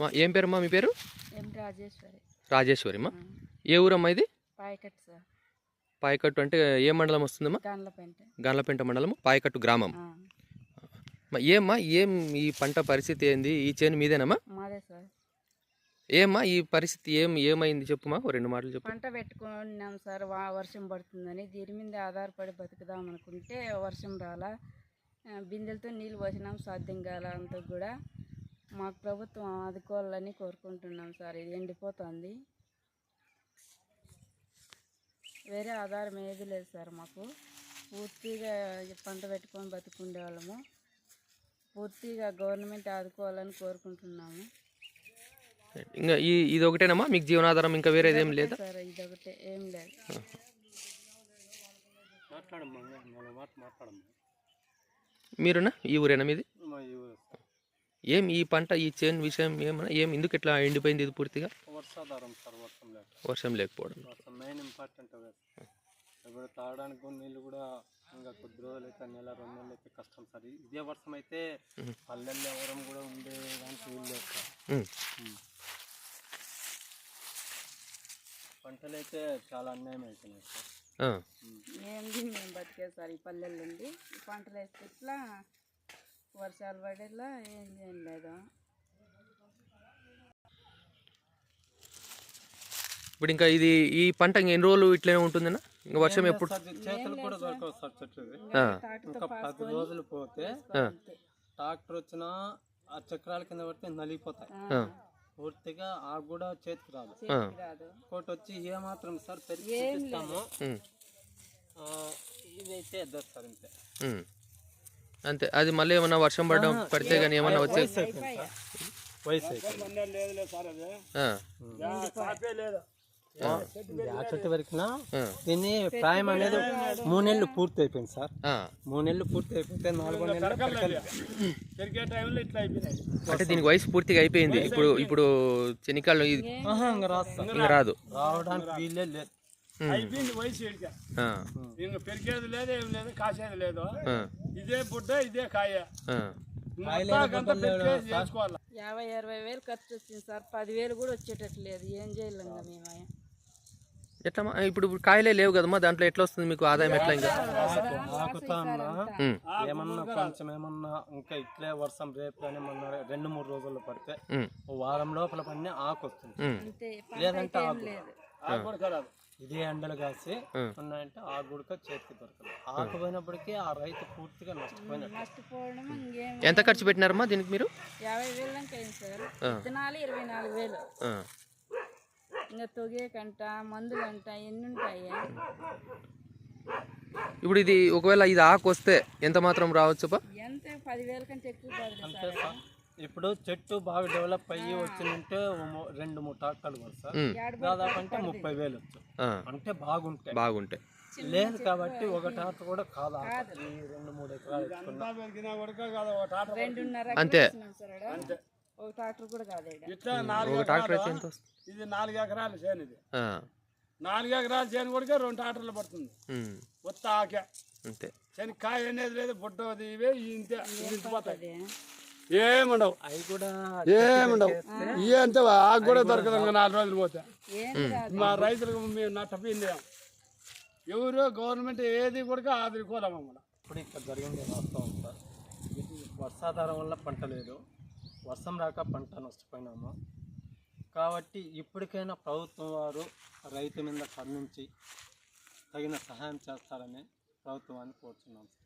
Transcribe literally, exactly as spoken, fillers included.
ఏం పేరమ్మా మీ పేరు? రాజేశ్వరి. రాజేశ్వరిమ్మా. ఏ ఊరమ్మా ఇది? పాయకట్టు సార్. పాయకట్టు అంటే ఏ మండలం వస్తుందమ్మా? గండ్లపెంట. గండ్లపెంట మండలం, పాయకట్టు గ్రామం. ఏమ్మా ఏం ఈ పంట పరిస్థితి ఏంది? ఈ చేను మీదేనమ్మా? మాదే సార్. ఏమ్మా ఈ పరిస్థితి ఏం ఏమైంది చెప్పుమా, రెండు మాటలు చెప్పు. పంట పెట్టుకున్నాం సార్, వర్షం పడుతుందని దీని మీద ఆధారపడి బతుకుదాం అనుకుంటే వర్షం రాలా, బిందెలతో నీళ్ళు పోసినాం, సాధ్యం కాల. అంతా కూడా మాకు ప్రభుత్వం ఆదుకోవాలని కోరుకుంటున్నాం సార్. ఇది ఎండిపోతుంది, వేరే ఆధారం ఏది లేదు సార్. మాకు పూర్తిగా పంట పెట్టుకొని బతుకుండే వాళ్ళము, పూర్తిగా గవర్నమెంట్ ఆదుకోవాలని కోరుకుంటున్నాము. ఇంకా ఈ ఇది ఒకటేనమ్మా మీకు జీవనాధారం? ఇంకా వేరేది ఏం లేదా సార్? ఇది ఒకటే, ఏం లేదు. మీరునా ఈ ఊరేనా మీది? ఏం ఈ పంట ఈ చేను విషయం ఏమన్నా ఏం ఎందుకు ఇట్లా ఎండిపోయింది ఇది పూర్తిగా? వర్షాధారం సార్, వర్షం లేక వర్షం లేకపోవడం వర్షం మెయిన్ ఇంపార్టెంట్. ఇప్పుడు తాగడానికి నీళ్ళు కూడా ఇంకా కొద్ది రోజులు అయితే, నెల రెండు నెలలు అయితే కష్టం సార్. ఇదే వర్షం అయితే పల్లెల్లో ఎవరం కూడా ఉండేదానికి వీలు లేదు సార్. పంటలు అయితే చాలా అన్యాయం అవుతున్నాయి సార్. ఏంది మేము బతికే సార్ ఈ పల్లెల్లో ఉండి, ఈ పంటలు వేస్తే ఇట్లా వర్షాలు పడేలా ఏం ఏం లేదు. ఇప్పుడు ఇంకా ఇది ఈ పంట ఎన్ని రోజులు ఇట్లనే ఉంటుందన్నా? ఇంకా వర్షం ఎప్పుడు? చేతులు కూడా దొరకవు సార్ చెట్టు. ఇంకా పది రోజులు పోతే ట్రాక్టర్ వచ్చినా ఆ చక్రాల కింద పడితే నలిగిపోతాయి పూర్తిగా. ఆ కూడా చేతికి రాదు. కోటి వచ్చి ఏమాత్రం సార్ పెరిగి చూపిస్తాము, ఇదైతే ఎద్దరు సార్ ఇంతే అంతే. అది మళ్ళీ ఏమన్నా వర్షం పడడం పడితే కానీ ఏమన్నా వచ్చే వయసు ఆ చెట్టు వరకు దీన్ని ప్రాయం అనేది మూడు నెలలు పూర్తి అయిపోయింది సార్. మూడు నెలలు పూర్తి అయిపోతే నాలుగో నెలలు అంటే దీనికి వయసు పూర్తిగా అయిపోయింది. ఇప్పుడు ఇప్పుడు చెనికాళ్ళు ఇంకా రాదు, ఇంకా రాదు, రావడానికి వీలే లేదు. అయిపోయింది వయసు. ఇంకా పెరిగేది లేదు, ఏం లేదు, కాసేది లేదు. ఇదే బుడ్డ, ఇదే కాయ. యాభై అరవై వేలు ఖర్చు వచ్చింది సార్, పదివేలు కూడా వచ్చేటట్లేదు. ఏం చేయలేం మేము. ఎట్లా ఇప్పుడు కాయలే లేవు కదమ్మా, దాంట్లో ఎట్లా వస్తుంది మీకు ఆదాయం? ఎట్లా ఇంకా ఆకుతా ఏమన్నా కొంచెం ఏమన్నా ఇంకా ఇట్లే వర్షం రేపు కానీ మొన్న రెండు మూడు రోజుల్లో పడితే వారం లోపల పడిన ఆకు వస్తుంది, లేదంటే ఆకు ఇదే ఎండలు కాసి ఉన్నాయంటే ఆ గుడక చేతికి దొరకదు. ఆకు పోయినప్పటికీ ఆ రైతు పూర్తిగా నష్టపోవడం. ఎంత ఖర్చు పెట్టినారమ్మా దీనికి మీరు? యాభై వేలు దాకా అయింది సార్. విత్తనాలు ఇరవై నాలుగు వేలు, ఇంకా తొగే కంట మందులు అంట ఎన్ని ఉంటాయి. ఇప్పుడు ఇది ఒకవేళ ఇది ఆకు వస్తే ఎంత మాత్రం రావచ్చు? ఎంత పదివేల కంటే ఎక్కువ కాదు సార్. ఇప్పుడు చెట్టు బాగా డెవలప్ అయ్యి వచ్చిందంటే రెండు మూడు ట్రాక్టర్లు కూడా సార్, దాదాపు అంటే ముప్పై వేలు వచ్చు. అంటే బాగుంటాయి బాగుంటాయి లేదు కాబట్టి ఒక ట్రాక్టర్ కూడా కాదు, రెండు మూడు ఎకరాలు అంతే. ఒక ట్రాక్టర్ కూడా కాదు. ఇది నాలుగు ఎకరాలు చేను, ఇది నాలుగు ఎకరాల చేను కూడా రెండు ట్రాక్టర్లు పడుతుంది. కొత్త ఆకే అంతే, శని కాయ అనేది లేదు, బుడ్డది ఇవే ఇంతే ఇంటిపోతాయి. ఏముండవు అవి కూడా ఏముండవు. ఇవే అంతే, ఆకు కూడా దొరకదు ఇంకా నాలుగు రోజులు పోతే. మా రైతులకు మేము నష్టపోయింది. ఎవరు గవర్నమెంట్ ఏది కూడా ఆదుకోలేము. ఇప్పుడు ఇక్కడ జరిగింది వాస్తవం సార్. వర్షాధారం వల్ల పంట లేదు, వర్షం రాక పంట నష్టపోయినాము. కాబట్టి ఇప్పటికైనా ప్రభుత్వం వారు రైతు మీద కరుణించి తగిన సహాయం చేస్తారని ప్రభుత్వాన్ని కోరుతున్నాం.